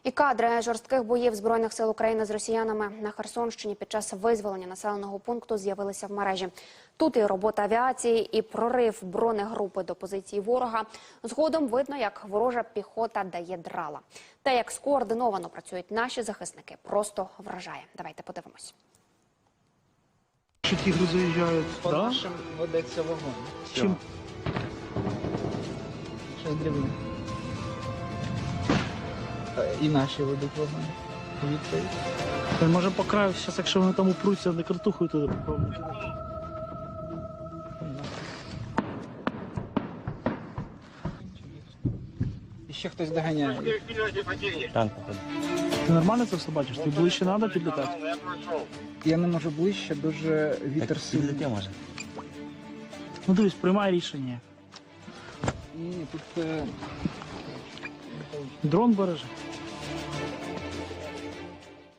І кадри жорстких боїв Збройних сил України з росіянами на Херсонщині під час визволення населеного пункту з'явилися в мережі. Тут і робота авіації, і прорив бронегрупи до позиції ворога. Згодом видно, як ворожа піхота дає драла. Те, як скоординовано працюють наші захисники, просто вражає. Давайте подивимось. Що тігри заїжджають, По да? нашим ведеться вогонь. Чим? Щось дрібне. І наші ведуть вогонь. Відповідь. Може по краю, зараз, якщо вони там упруться, не картухою туди попробують. І ще хтось доганяє. Ти нормально це все бачиш? Ти ближче треба підлітати? Я не можу ближче, дуже вітер сильний. Ну дивись, приймай рішення. Ні, тут Дрон бережи.